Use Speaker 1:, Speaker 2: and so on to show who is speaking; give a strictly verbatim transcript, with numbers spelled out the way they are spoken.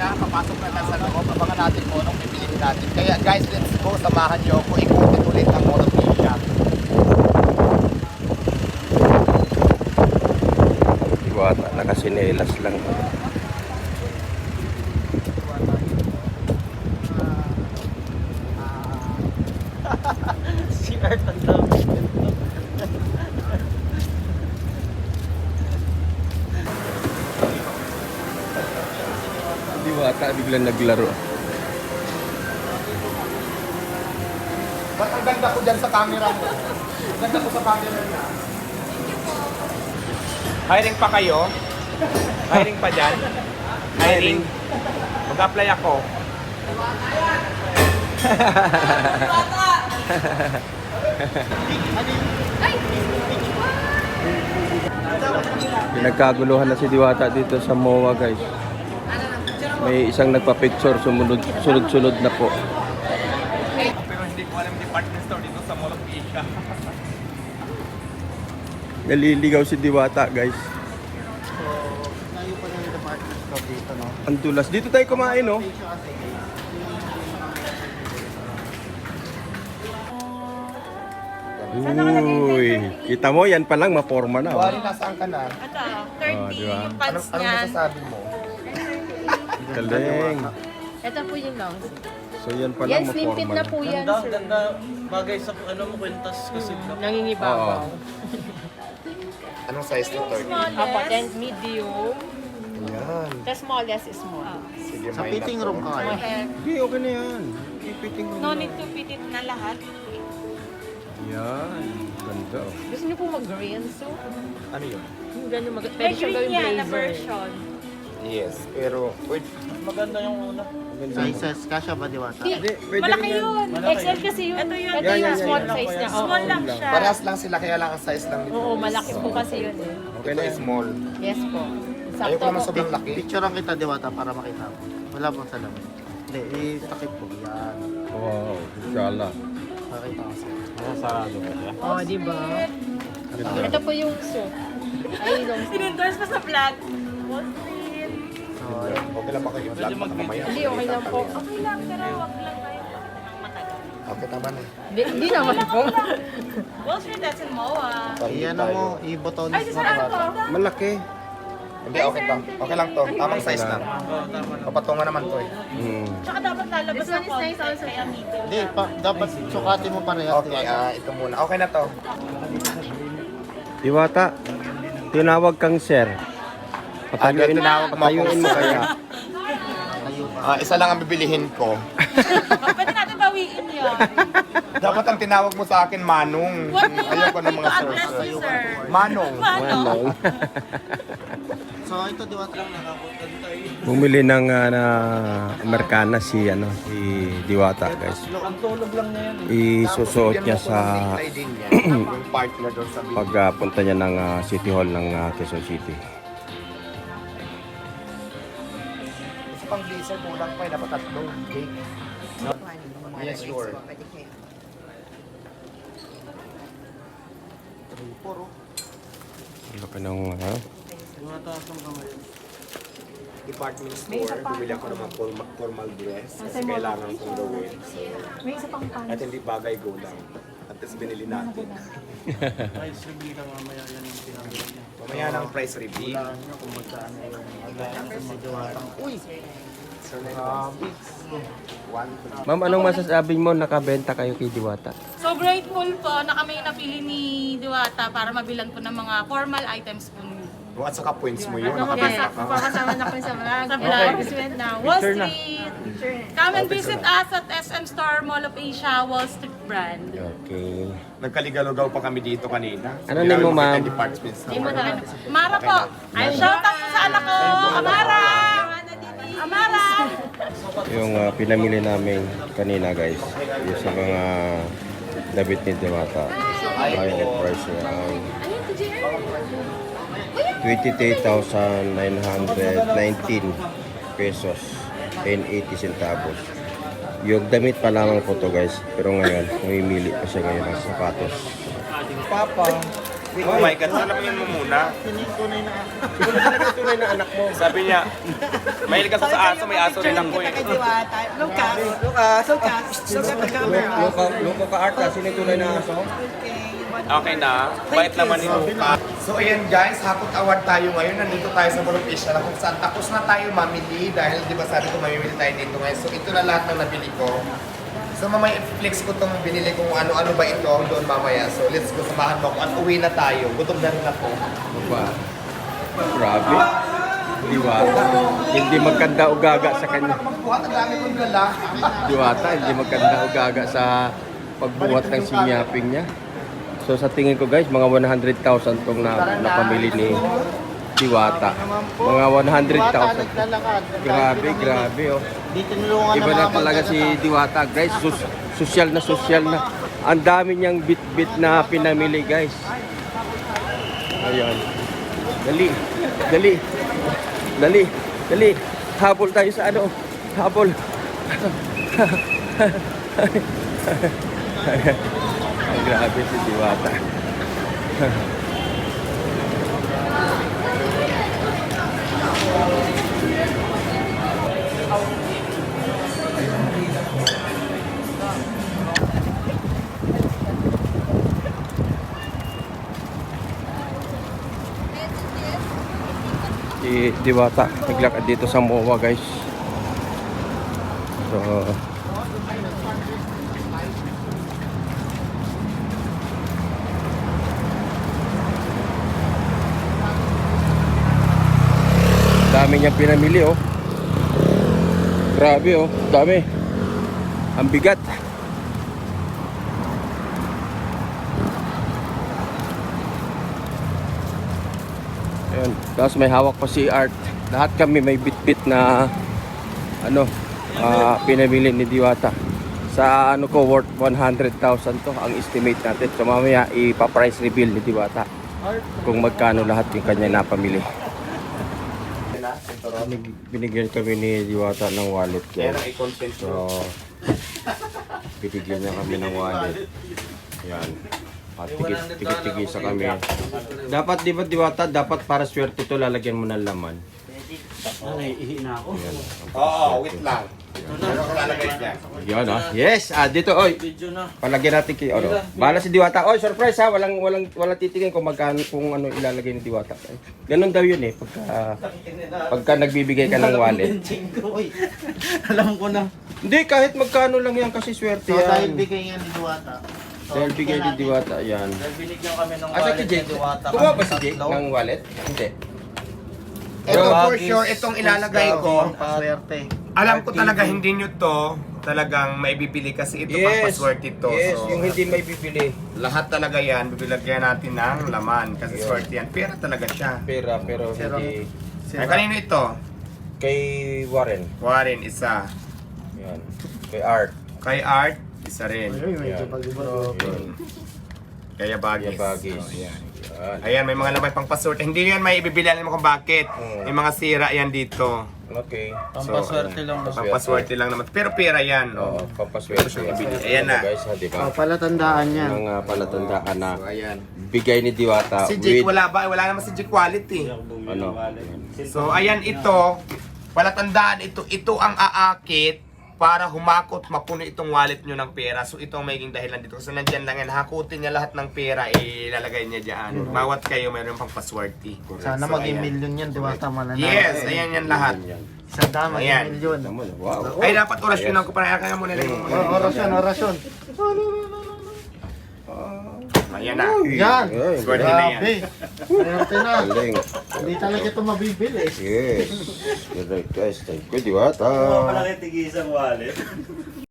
Speaker 1: siya, papasok na lang sa loob. Abangan natin kung anong pipiliin natin. Kaya guys, let's go. Samahan niyo ako. Ikutin ulit ang Mall of Asia.
Speaker 2: Diwata, nakasinelas lang.
Speaker 3: Si Art ang dami.
Speaker 2: Diwata, biglang naglaro.
Speaker 1: Ba't ang ganda ko dyan sa camera mo? Ang ganda ko sa camera niya. Hiring pa kayo? Hiring pa dyan? Hiring? Mag-apply ako.
Speaker 2: Pinagkaguluhan na si Diwata dito sa M O A, guys. May isang nagpa-picture, sumunod, sunod-sunod na po.
Speaker 1: Pero hindi ko alam department store dito sa Mall of Asia.
Speaker 2: Naliligaw si Diwata, guys.
Speaker 3: So, tayo pa ng department store dito, no?
Speaker 2: Ang tulas. Dito tayo kumain, no? Uy, kita mo, yan pa lang, maporma na. Oh.
Speaker 1: Wari, nasaan ka na?
Speaker 4: Ito,
Speaker 2: Oh,
Speaker 4: thirty
Speaker 2: di ba?
Speaker 4: yung
Speaker 1: Anong,
Speaker 4: pants
Speaker 1: anong
Speaker 4: niyan.
Speaker 1: masasabi mo?
Speaker 2: Galing.
Speaker 4: Ito po yung long.
Speaker 2: So, yan pa
Speaker 4: Yan,
Speaker 2: lang,
Speaker 4: slim fit
Speaker 2: maporma
Speaker 4: na
Speaker 2: na.
Speaker 4: po yan,
Speaker 3: Ganda,
Speaker 4: sir.
Speaker 3: ganda. Bagay sa ano mo, kwentas kasi black.
Speaker 4: Nangingibabaw.
Speaker 2: Oo.
Speaker 1: Anong size nito?
Speaker 4: Apo, then medium.
Speaker 1: Ayan.
Speaker 4: The smallest is small.
Speaker 1: Sige,
Speaker 3: Sa
Speaker 1: may
Speaker 3: fitting
Speaker 1: na to.
Speaker 3: room ka kayo.
Speaker 2: Hindi, okay na yan. Ipiting mo
Speaker 4: No
Speaker 2: na.
Speaker 4: need to fit it na lahat.
Speaker 2: Yan. Ganda. oh.
Speaker 4: Gusto niyo po mag-green, so?
Speaker 1: Ano yun?
Speaker 4: Yung gano'n mag- Pwede siya gawing blazer. version.
Speaker 1: Yes, pero wait,
Speaker 3: Maganda yung una. Sizes, kasha ba Diwata?
Speaker 4: Di,
Speaker 2: Hindi, pwede
Speaker 4: malaki
Speaker 2: rin yan.
Speaker 4: yun.
Speaker 3: Malaki.
Speaker 4: X L kasi yun. Ito yun. Ito
Speaker 2: Yan,
Speaker 4: yung
Speaker 2: yan,
Speaker 4: small
Speaker 2: yan.
Speaker 4: size niya. Oo.
Speaker 3: Small lang siya.
Speaker 1: parehas lang sila kaya lang ang size lang nito.
Speaker 4: Oo, malaki po kasi yun eh.
Speaker 2: Okay
Speaker 1: Ito
Speaker 2: na
Speaker 1: is
Speaker 2: yan.
Speaker 1: small.
Speaker 4: Yes po.
Speaker 1: Ayoko
Speaker 4: Sakto
Speaker 1: naman
Speaker 4: po.
Speaker 1: sobrang laki.
Speaker 3: Picturean kita Diwata para makita mo. Wala bang salamin? Hindi, itakip po. Yan.
Speaker 2: Wow, inshallah.
Speaker 3: Makita ko sa'yo.
Speaker 4: Oo, di ba?
Speaker 2: Ganda.
Speaker 4: Ito po yung suit. Ay, long sleeve.
Speaker 5: Sinendorse pa sa vlog. Wall Street.
Speaker 3: So,
Speaker 1: Okay lang ba kayo? Vlog pa mamaya.
Speaker 4: Hindi, okay lang po.
Speaker 5: Okay lang, pero wag lang tayo matagal.
Speaker 1: Okay, tama na.
Speaker 4: Hindi, hindi naman po.
Speaker 5: Wall Street, that's in M O A.
Speaker 3: iyan mo, i-botones
Speaker 5: Ay,
Speaker 3: mo
Speaker 5: saan
Speaker 3: Diwata.
Speaker 5: ko?
Speaker 2: Malaki.
Speaker 1: Hindi, okay lang. Okay lang to. Tamang size lang. Papatungan naman to eh.
Speaker 2: Hmm.
Speaker 5: Tsaka dapat lalabas
Speaker 4: This
Speaker 5: ng
Speaker 4: one is
Speaker 5: konti,
Speaker 4: nice also.
Speaker 5: kaya medium.
Speaker 3: Hindi, pa, dapat sukatin mo parehas
Speaker 1: Okay,
Speaker 3: Diwata.
Speaker 1: ah, ito muna. Okay na to.
Speaker 2: Diwata, tinawag kang sir. Patayuin,
Speaker 1: tinawag mo
Speaker 2: patayuin
Speaker 1: akong
Speaker 2: mo
Speaker 1: sir.
Speaker 2: kaya.
Speaker 1: Ah, isa lang ang bibilihin ko.
Speaker 5: Pwede natin bawiin yun.
Speaker 1: Dapat ang tinawag mo sa akin, Manong. Ayoko ng mga sir.
Speaker 5: Bless you, sir.
Speaker 1: Manong.
Speaker 2: Manong.
Speaker 3: So, ito Diwata.
Speaker 2: Bumili ng uh, na Amerikana si ano si Diwata, guys.
Speaker 3: Ang tulog lang niya yan. eh.
Speaker 2: Isusuot niya sa
Speaker 1: yung partner doon sa video.
Speaker 2: pagpunta niya ng ah, City Hall ng ah, Quezon City.
Speaker 1: Isa pang blazer, kulang pa eh. Dapat tatlo. Cake. Yes, sure.
Speaker 3: Puro.
Speaker 2: Laki ng ha?
Speaker 3: Diwata, saan ka ngayon?
Speaker 1: Department store, bumili ako ng mga formal, formal dress kasi kailangan kong gawin. So,
Speaker 4: May isa pang pan.
Speaker 1: at hindi bagay go lang. At least binili natin.
Speaker 3: Ay, sabi ka mamaya yan yung pinamili niya.
Speaker 1: Mamaya ng price reveal.
Speaker 3: Wala nyo kung magkano yung magkano sa Diwata. Uy!
Speaker 1: So, grabe. One, two,
Speaker 2: Ma'am, anong masasabi mo nakabenta kayo kay Diwata?
Speaker 5: So grateful po na kami yung napili ni Diwata para mabilan po ng mga formal items po niyo.
Speaker 1: oh, at saka points mo yun.
Speaker 4: Yes.
Speaker 1: Nakabenta ka.
Speaker 4: Papasama na ko sa vlog.
Speaker 5: Sa vlog.
Speaker 4: Advertisement na.
Speaker 5: Wall
Speaker 2: Picture na.
Speaker 5: Street. Come and visit us at S M Store Mall of Asia, Wall Street brand.
Speaker 2: Okay.
Speaker 1: Nagkaligalugaw pa kami dito kanina.
Speaker 2: Ano name mo, ma'am?
Speaker 1: Department store.
Speaker 5: Mara po. Ay, shout out po sa anak ko, Amara! Amara!
Speaker 2: Yung ah, pinamili namin kanina, guys. Yung sa mga damit ni Diwata. Ayun yung price niya. Ang twenty-three thousand nine hundred nineteen pesos and eighty centavos. Yung damit pa lamang po to, guys. Pero ngayon, mamimili pa siya ngayon ng sapatos.
Speaker 3: Papa,
Speaker 6: Oh my God, salamin mo muna.
Speaker 3: Sino yung tunay na ako?
Speaker 2: Sino talaga yung tunay na anak mo?
Speaker 6: Sabi niya, mahilig ako sa aso, may aso rin ako eh.
Speaker 7: Lucas. Lucas. Lucas. Lucas the camera.
Speaker 2: Loko, loko ka art ka, sino yung tunay na aso?
Speaker 6: Okay na, bait naman ni Luca.
Speaker 1: So ayan guys, Hapot Award tayo ngayon. Nandito tayo sa Boropisya na kung saan tapos na tayo mamili dahil di ba sabi ko mamimili tayo dito ngayon. So ito na lahat ng nabili ko. So mamaya i-flex ko itong binili kung ano-ano ba ito doon mamaya. So let's go, samahan mo ako at uwi na tayo. Gutom na rin ako.
Speaker 2: Ba? Grabe. Diwata. Hindi magkanda o gaga sa kanya.
Speaker 1: Magbuhat, ang dami kong dala.
Speaker 2: Diwata, hindi magkanda o gaga sa pagbuhat ng sinyaping niya. So sa tingin ko guys, mga one hundred thousand tong na, napamili ni Diwata. Mga one hundred thousand.
Speaker 3: Naglalakad.
Speaker 2: Grabe, grabe oh.
Speaker 3: Di tinulungan
Speaker 2: Iba na talaga si Diwata guys. Sus social na social na. Ang dami niyang bit-bit na pinamili guys. Ayan. Dali. Dali. Dali. Dali. Habol tayo sa ano. Habol. Ang grabe si Diwata. Si Diwata naglakad dito sa M O A guys. So dami niyang pinamili oh. Grabe oh, dami. Ang bigat. Ayun, tapos may hawak pa si Art. Lahat kami may bit-bit na ano, ah, pinamili ni Diwata. Sa ano ko worth one hundred thousand to ang estimate natin. So mamaya ipa-price reveal ni Diwata kung magkano lahat yung kanya napamili. Binig- Binigyan kami ni Diwata ng wallet ko. So, binigyan niya kami ng wallet. Yan. At tigit-tigit sa kami. Dapat, di ba Diwata, dapat para swerte to lalagyan mo ng laman.
Speaker 3: Ihi na ako.
Speaker 2: Yan.
Speaker 1: Oo, wait lang. Ano ko lalagay dyan?
Speaker 2: Yan ah. Yes, ah dito oy. Palagyan natin kay ano. Bala si Diwata. Oy, surprise ha. Walang walang walang titingin kung magkano kung ano ilalagay ni Diwata. Ganun daw 'yun eh pagka pagka nagbibigay ka ng wallet.
Speaker 3: Uy, alam ko na.
Speaker 2: Hindi kahit magkano lang yan kasi swerte
Speaker 3: So, dahil
Speaker 2: yan.
Speaker 3: bigay nga ni Duwata. So,
Speaker 2: Dahil bigay ni Diwata yan.
Speaker 7: Dahil binigyan kami ng
Speaker 2: Asa si
Speaker 7: wallet
Speaker 2: Jake?
Speaker 7: ni Diwata.
Speaker 2: Kuha ba si
Speaker 7: Kami
Speaker 2: Jake
Speaker 7: tatlo.
Speaker 2: ng wallet? Hindi.
Speaker 1: Ito for sure, itong ilalagay ko.
Speaker 3: Paswerte.
Speaker 1: Alam ko talaga hindi nyo to talagang maibibili kasi ito pang paswerte ito.
Speaker 2: Yes,
Speaker 1: So,
Speaker 2: yung hindi may bibili.
Speaker 1: lahat talaga yan, bibilagyan natin ng laman kasi swerte yan. Pera talaga siya.
Speaker 2: Pera pero
Speaker 3: Zero.
Speaker 2: hindi.
Speaker 1: Ay, kanino ito?
Speaker 2: Kay Warren.
Speaker 1: Warren, isa.
Speaker 2: Yan. Kay Art.
Speaker 1: Kay Art, isa rin.
Speaker 3: Uy, medyo
Speaker 2: Yan.
Speaker 3: pag-ibaro.
Speaker 2: Yun.
Speaker 1: Kaya bagis.
Speaker 2: Kaya bagis.
Speaker 1: Oh, yan.
Speaker 2: Yan.
Speaker 1: Ayan, may mga laman pang paswerte. Hindi yan may ibibilan mo kung bakit.
Speaker 2: Mm.
Speaker 1: May mga sira yan dito.
Speaker 2: Okay.
Speaker 7: Pampaswerte lang.
Speaker 1: Pang paswerte lang naman. Pero pera yan.
Speaker 2: Oo,
Speaker 1: Oh.
Speaker 2: pampaswerte.
Speaker 1: Ayan na.
Speaker 2: Guys, ha, di ba?
Speaker 3: Oh, palatandaan yan.
Speaker 2: Ang uh, palatandaan na
Speaker 1: So, ayan.
Speaker 2: bigay ni Diwata
Speaker 1: Si Jake,
Speaker 2: with
Speaker 1: wala ba? Wala naman si Jake quality.
Speaker 2: ano?
Speaker 1: So, ayan ito. Palatandaan ito. Ito ang aakit para humakot, mapuno itong wallet nyo ng pera. So, ito ang magiging dahilan dito. Kasi nandyan lang yan. Hakutin niya lahat ng pera, ilalagay niya dyan. Bawat kayo, mayroon pang paswerte.
Speaker 3: Sana
Speaker 1: So,
Speaker 3: maging
Speaker 1: ayan.
Speaker 3: million yan, Duwata mananalo.
Speaker 1: Yes, ayan yan lahat.
Speaker 2: Yan.
Speaker 3: Isang daan,
Speaker 1: Ayan.
Speaker 3: maging million.
Speaker 2: Tama na. Wow.
Speaker 1: Ay, dapat orasyon ako para kaya muna lang yung
Speaker 3: Oh, orasyon, orasyon.
Speaker 1: Ayan na.
Speaker 3: Yan.
Speaker 2: Ay,
Speaker 1: Swerte na yan.
Speaker 3: Grabe. Swerte na.
Speaker 2: galing.
Speaker 3: Hindi talaga ito mabibili.
Speaker 2: Yes. Good guys. Thank you, Diwata.
Speaker 7: Malaki tigisang wallet.